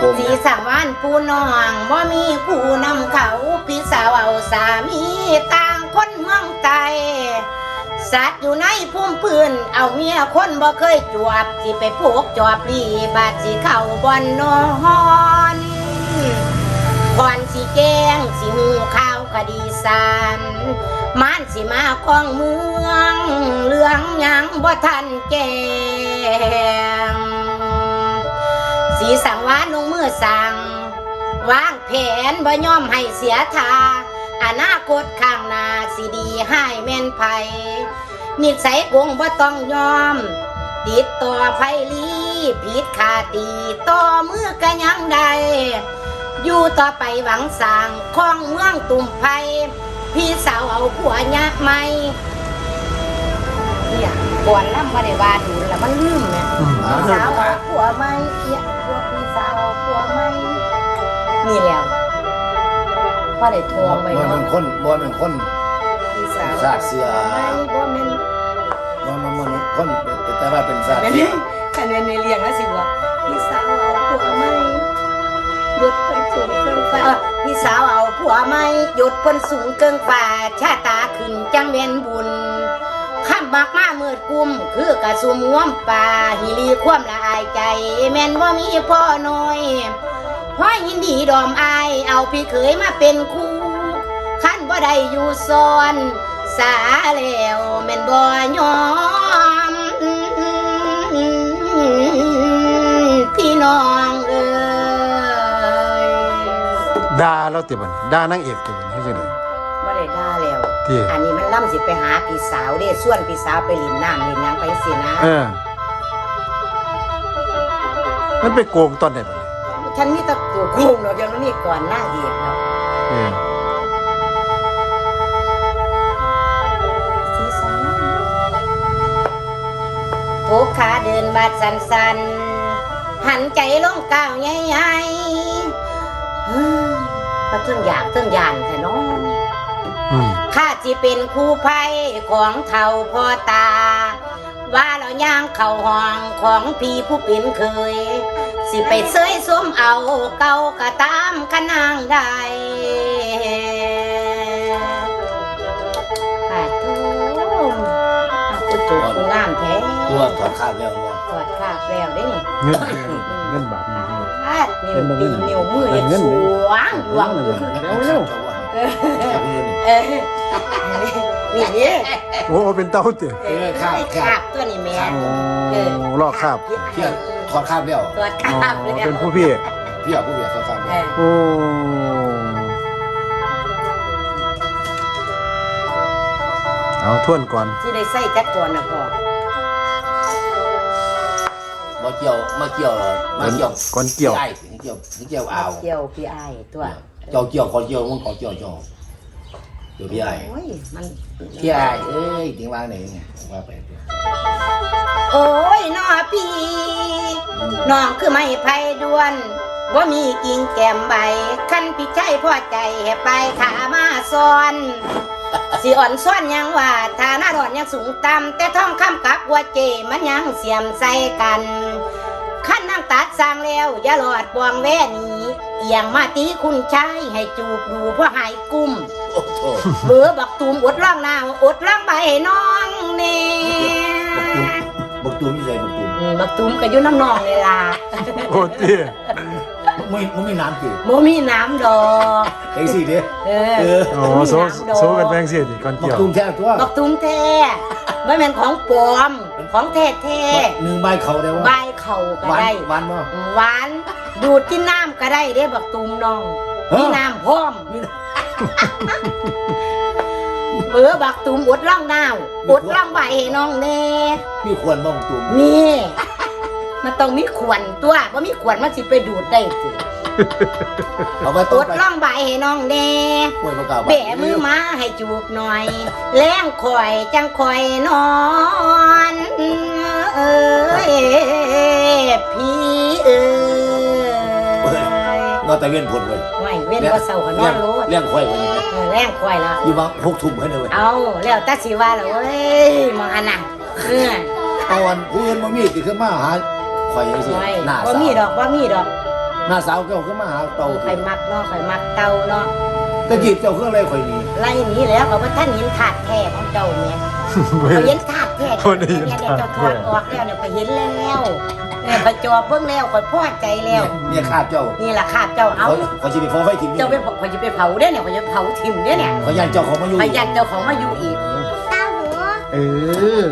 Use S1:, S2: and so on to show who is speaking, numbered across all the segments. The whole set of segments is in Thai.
S1: สีสังวานผู้น้องบ่มีผู้นำเขาพี่สาวเอาสามีต่างคนเมืองไกลสัตว์อยู่ในพุ่มพื้นเอาเมียคนบ่เคยจวบสิไปพกจอบลีบาดสิเข้าบ่อนนอนก่อนสิแกงสิหูข่าวคดีสารมานสิมาของเมืองเรื่องหยังบ่ทันแกงสีสังวานลงมือสั่งวางแผนบ่ยอมให้เสียท่าอนาคตข้างหน้าสิดีให้แม่นไผนิสัยกงบ่ต้องยอมติดต่อไผลีผิดขาตีต่อมือก็ยังได้อยู่ต่อไปหวังสร้างของเมืองตุ่มไผพี่สาวเอาผัวยะไหมเนี่ยก่อนล่ำมาได้ว่าดูแล้วมันลืมเนี่ยพี่สาวเอาผัวไหมเนี่ยพวกพี่สาวเอาผัวไหมนี่แล้วพอได้ทวงไป
S2: บ่
S1: เนาะ
S2: เป็นคน
S1: พี่สาว
S2: ศาสตร์เสือ
S1: ไม่บ่แม่น
S2: มันคนแต่ว่าเป็นศาสตร์
S1: แม่น
S2: เสือ
S1: คะแนนในเรียงแล้วสิว่าพี่สาวเอาผัวไหมหยุดเพิ่นสูงเกินฟ้าพี่สาวเอาผัวไหมหยุดเพิ่นสูงเกินฟ้าชาตาขึ้นจังแม่นบุญข้ามมากมามืดกุมคือกระสุมง่วมป่าหิรีความละอายใจแม่นว่ามีพ่อน้อยพ่อยินดีดอมอายเอาพี่เคยมาเป็นคู่ขั้นบ่ได้อยู่ซ้อนสาแล้วแม่นบ่ยอมพี่น้องเอ้ย
S3: ด่าเราติบันด่านางเอกติบันให้จังได๋
S1: บ่ได้ด่าแล้ว
S3: ที่
S1: อันนี้มันล่ำสิไปหาพี่สาวเด้ส่วนพี่สาวไปหลินน้ำหลินหยังไปสินะ
S3: มันไปโกงตอนไหนบัดนี้
S1: ฉันมีแตะกูโกงเนาะยังไม่มีก่อนหน้าเอกเนาะ
S3: เออ
S1: ที่สามทุกขาเดินบาดสันๆหันใจลงก้าวใหญ่ๆก็ถึงอยากถึงยานแต่น้อง ข้าจิเป็นครูภัยของเท่าพ่อตา ว่าเราย่างเข่าห้องของพี่ผู้เป็นเคย สิไปเสยสมเอาเก่าก็ตามขนางได้ป้าทูเอาผู้จุกงามแท้
S2: ตัวถอดคาบแล้วเนาะ
S1: ถอดคาบแล้วได้นี่
S3: เงินบาทนี่
S1: นิ้วตีนิ้วมือยังสวงหลวงอยู่
S2: เร็ว
S1: นี่นี่
S3: โอ้เป็นเต้าติ
S1: คาบตัวนี้แม่
S3: โอ้ลอกคาบ
S2: เที่ยถอดคาบแล้ว
S1: ตัวคาบเลย
S3: เป็นผู้พี่
S2: พี่ผู้เบียดถอดคาบแล้ว
S3: โอ้เอาทวนก่อน
S1: ที่ได้ใส่จักรก่อนนะพ่อ
S2: มาเกี่ยว
S3: ก่อนเกี่ยว
S2: ใช่เกี่ยวเอา
S1: เกี่ยวพี่ไอ้ตัว
S2: เกี่ยวคนเกี่ยวมันขอเกี่ยวเดี๋ยวพี่ไอ้
S1: โอ้ยมัน
S2: พี่ไอ้เอ้ยถึงวางไหนไงว่าไป
S1: โอ้ยน้อพี่น้องคือไม่ไพ่ด้วนว่ามีกิ่งแก้มใบคันพี่ใจพ่อใจให้ไปขามาซ้อนสิอ่อนซ้อนยังว่าฐานะดอนยังสูงต่ำแต่ท้องคำกับหัวเจมันยังเสียมใส่กันขั้นนั่งตัดสร้างแล้วอย่าหลอดบวงแว่นี้เอียงมาตีคุณชายให้จูบดูเพราะหายกุ้ม
S2: โอ้โห
S1: เบื่อบักตูมอดร่างนาวอดร่างใบให้น้องเน่
S2: บักตูมยี่ใจบักตูม
S1: บักตูมก็อยู่น้ำนองเลยล่ะ
S3: โอ้เตี้ย
S2: ไม่น้ำจืด
S1: โมมีน้ำดอก
S2: ไอ้สิเด้
S3: โอ้โซกันแบงเสียดิก่อน
S2: บัก
S3: เกี่ยว
S2: ตูมแท้ตัว
S1: บักตูมแท้ไม่เป็นของปลอมของแท้แท้
S2: หนึ่งใบเขาได้ว่า
S1: ใบเข่าก็ได้
S2: หวานมั้ง
S1: หวานดูดกินน้ำก็ได้เด้บักตูมน้องมีน้ำพร้อมเบื่อบักตูมอดร่างนาวอดร่างใบให้น้องเน่
S2: มีควรบ้างบักตูม
S1: นี่มันต้องมีขวัญตัวว่ามีขวัญมันสิไปดูดได้สิ
S2: เอาไป
S1: อ
S2: ต้น
S1: ดร่องใบให้น้องเน่
S2: ป่วยประกาศ
S1: แบะมือมาให้จูบหน่อยแล้งคอยจังคอยนอนเอ้ยพี่เอ้ย
S2: นอนแต่เวียนผลเลย
S1: ไม่เว้นว่าเศร้าก็นอนโลด
S2: เลี้ยงควายวันนี้
S1: แล้งคอยแล้ว
S2: อยู่บ้าง6 ทุ่มให้เลย
S1: เอาแล้วตาสิว่าแล้วเว้ยมองอันน่ะเออ
S2: ตอนผู้อื่นมามีติขึ้นมาหาควายยังสิ
S1: ไม่
S2: หน้า
S1: ว่า
S2: สาว
S1: มีดอกว่ามีดอก
S2: หน้าสาวเจ้าขึ้นมาหาเต่า
S1: ข่อยมักเนาะข่อยมักเต่าเนาะ
S2: ตะกี้เจ้าเครื่องอะไรข่อยนี่
S1: ไล่หนีแล้วก็บ่ท่านเห็นถาดแท้ของเจ้าแม่ข่อยเห็นถาดแท้
S3: บ่ได้เห็น
S1: เนี่ย
S3: ถาด
S1: เจ้า
S3: แท้
S1: ถอดออกแล้วเนี่ยข่อยเห็นแล้วเนี่ยข่อยจอเบิ่งแล้วข่อยพอใจแล้ว
S2: เนี่ยขาดเจ้า
S1: นี่ล่ะคาบเจ้าเอา
S2: ข่อยสิไปฟ้องไฟถิ่น
S1: เจ้าไปข่อยจะไปเผาเด้อเนี่ยข่อยจะเผาทิ่มเด้อเนี่ย
S2: ข่อยยันเจ้าของมาอยู่
S1: ข่อยยันเจ้าของมาอยู่อีก
S3: เออ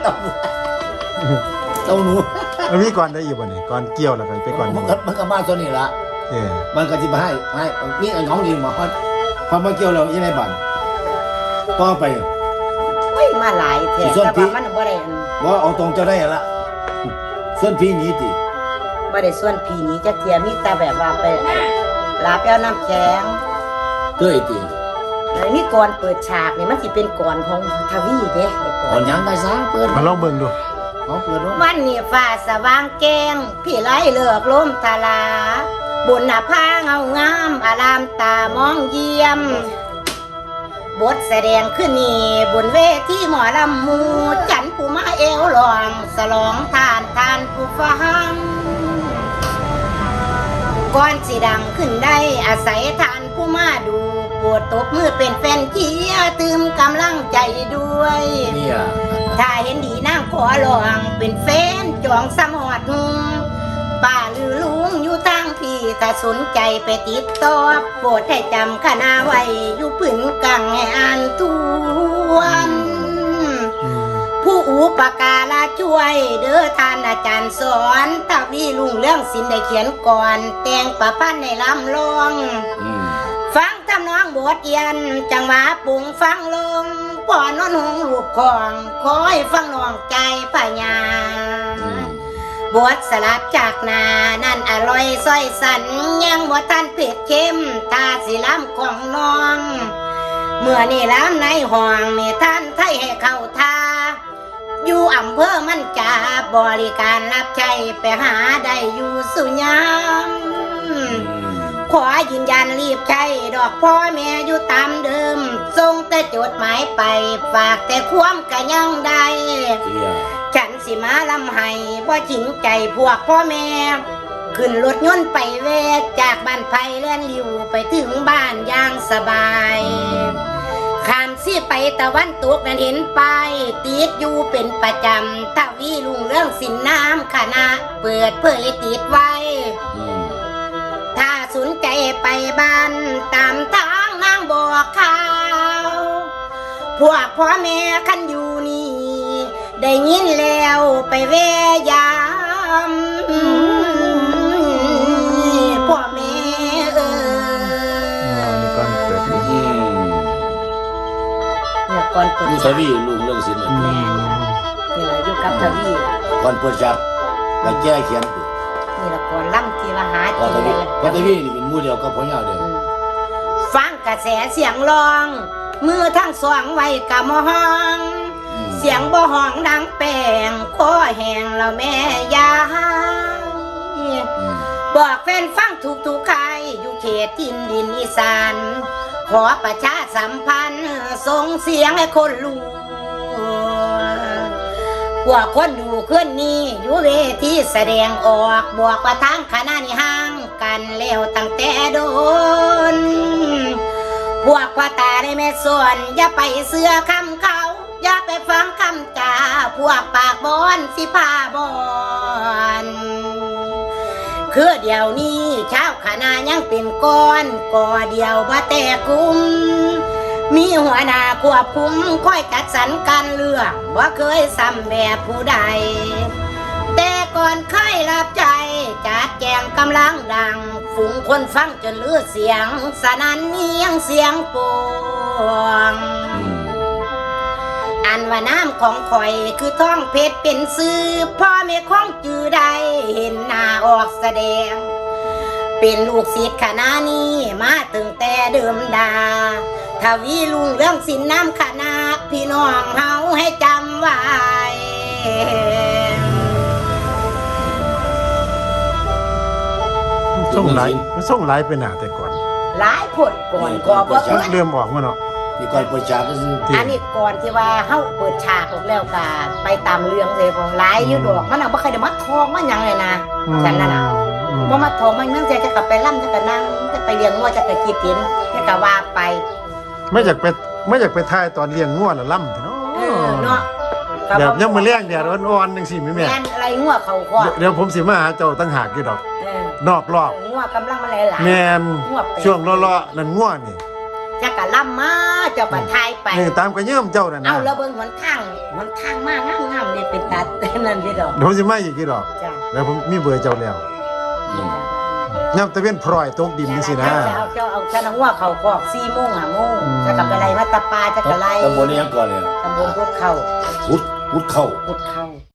S2: เต่าหนู
S3: แล้วมีก่อนได้อยู่บ่นี่ก่อนเกี่ยวแล้วก็ไปก่อน
S2: มันก็มาตัวนี้ละ
S3: เออ
S2: มันก็สิมาให้นี่ไอ้ของดีมาพอมาเกี่ยวแล้วยังไงบ้านต่อไป
S1: เฮ้ยมาหลายแท้
S2: ส่วน
S1: แต่
S2: พี่
S1: ว่ามันบ่ได้อัน
S2: ว่าเอาตรงเจ้าได้ละส่วนพี่หนี้ติ
S1: บ่ได้ส่วนพี่นี้จักเทียมีแต่แบบว่าไปลาไปเอาน้ำแข็ง
S2: เต้ยติ
S1: แล้วมีก่อนเปิดฉากนี่มันสิเป็นก่อนของทวีเด้ไอ้ก่
S2: ก่
S1: อ
S2: อน นยังไงซะเปิด
S3: มาลองเบิ่งดู
S2: เอาเปิดดู
S1: วันนี้ฟ้าสว่างแจ้งพี่ไล่เลือกลมทลาบุญหน้าผาเงางามอารามตามองเยี่ยม บทแสดงขึ้นนี่บนเวทีหมอลำหมูจันผู้มาเอวหลองสลองทานผู้ฟังก่อนสิดังขึ้นได้อาศัยทานผู้มาดูปวดตบมือเป็นแฟนเชียร์ตืมกำลังใจด้วย
S2: เนี่ย
S1: ถ้าเห็นดีนางขอลองเป็นแฟนจองสมอดหุงป้าลือลุงอยู่ทางพี่ถ้าสนใจไปติดต่อโปรดให้จำคณะไว้อยู่ปืนกังให้อ่านทวน ผู้อุปการะช่วยเด้อท่านอาจารย์สอนทวีลุงเรื่องศิลป์ได้เขียนก่อน แต่งประพันธ์ในลำลอง ฟังทำนองบทเอียนจังหวะปุงฟังลงป่อนนหงลูกของคอยฟังน้องใจปัญญาบทสลับจากนานั่นอร่อยส้อยสันยังบ่ทันเผ็ดเข้มตาสีล้ำของน้อง เมื่อนี่ล้ำในห้องมีท่านไทยให้เข้าทาอยู่อำเภอมันจาบริการรับใช้ไปหาได้อยู่สุยามขอยืนยันรีบใช้ดอกพ่อแม่อยู่ตามเดิมส่งแต่จดหมายไปฝากแต่ความกะยังได้ ฉันสิมาลำไห้บ่จริงใจพวกพ่อแม่ ขึ้นรถยนต์ไปเวทจากบ้านไผ่เลื่อนลิวไปถึงบ้านอย่างสบายข้ามสิไปตะวันตกนั้นเห็นไปติดอยู่เป็นประจำทวีลุงเรื่องสินน้ำคณะเปิดเผยติดไว้ ถ้าสนใจไปบ้านตามทางนางบอกข่าวพวกพ่อแม่คันอยู่นี่ได้ยินแล้วไปแวะยามพ่อแม่
S3: นี่ก่อนเปิดดู
S1: เนี่ยก่อนเปิด
S2: นี่ทวีลุงเรื่องศิลป์
S1: แม่นี่แหละอยู่กับทวี
S2: ก่อนเปิดฉากแล้วแก้เขียน
S1: นี่แหละก่อนล่ำทีละหา
S2: ก่อนท
S1: กิน
S2: วี
S1: เลย
S2: ก่อนทวีนี่เป็นหมู่เดียวกับพ่อยาวเด้อ
S1: ฟังกระแสเสียงร้อง มือทั้งสองไว้กะมอห้องเสียงบ่ห้องดังแป้งคอแห้งแล้วแม่ยายบอกแฟนฟังทุกใครอยู่เขตทินดินอีสานขอประชาสัมพันธ์ส่งเสียงให้คนรู้พวกคนดูขึ้นนี้อยู่เวทีแสดงออกบอกว่าทางคณะนี้ห่างกันแล้วตั้งแต่โดนพวกพ่อตาได้แม่ส่วนอย่าไปเสือคำเขาอย่าไปฟังคำจ่าพวกปากบอนสิพาบอนคือเดี๋ยวนี้เช้าคณะยังเป็นก้อนก่อเดียวบ่แต่กุมมีหัวหน้าควบคุมคอยจัดสรรการเลือกว่าเคยซ้ำแบบผู้ใดแต่ก่อนเคยรับใจจัดแจงกำลังดังฝูงคนฟังจนลือเสียงสนั่นเนียงเสียงปวงอันว่าน้ำของข่อยคือท้องเพชรเป็นซื้อพ่อแม่ของจือใดเห็นหน้าออกแสดงเป็นลูกศิษย์คณะนี้มาตั้งแต่เดิมดาทวีลุงเรื่องสินน้ำคณะพี่น้องเฮาให้จำไว้
S3: ส่งไลน์มันส่งไลน์ไปหน้าแต่ก่อน
S1: หลายผลก่อนก็บ่
S3: เริ่มออกมาเนาะ
S2: นี่ก่อนเปิดฉากก็คือ
S1: อันนี้ก่อนที่ว่าเฮาเปิดฉากออกแล้วก็ไปตามเรื่องเลยของหลายอยู่ดอกมันน่ะบ่เคยได้มาทองมาหยังเลยนะฉันน่ะนะบ่มาโถมมันเนื่องจากจะกลับไปล่ำจะกะนั่งจะไปเลี้ยงงัวจะกะกินกินจะกะว่าไป
S3: ไม่อยากไปทายตอนเลี้ยงงัวน่ะล่ำเนาะ
S1: เนาะ
S3: แบบยังมื้อแรงแดดอ่อนๆจังซี่แม่
S1: แม่นอะไรงัวเขาคอ
S3: เดี๋ยวผมสิมาหาเจ้าตั้งหากอยู่ดอก นอกรอบ
S1: งัวกำลังมาหลายๆ
S3: แม่น
S1: งัวเป็ด
S3: ช่วงเลาะๆนั่นงัวนี่
S1: จะกะล่ำมาเจ้าก็ทายไป
S3: นี่ตามกระเยิ่มเจ้านั่นนะ
S1: เอาแล้วเบิ่งหนทางมากงามๆนี่เป็นตัด นั่นพี่ดอก
S3: เดี๋ยวผมสิมาอีกกี่ดอก
S1: จ้ะ
S3: แล้วผมมีเบอร์เจ้าแล้วย่ำตะเวนพลอยตกดินนี่สินะ
S1: เจ้าเอาชนะงัวเขาคอก4 โมง5 โมงจะกลับไปไรมาตะปาจะกะไร
S2: ตำบลนี้ยังก่อนเนี่ย
S1: ตำบลพุทธเข้า
S2: พุทธเข้า
S1: พุทธเข้า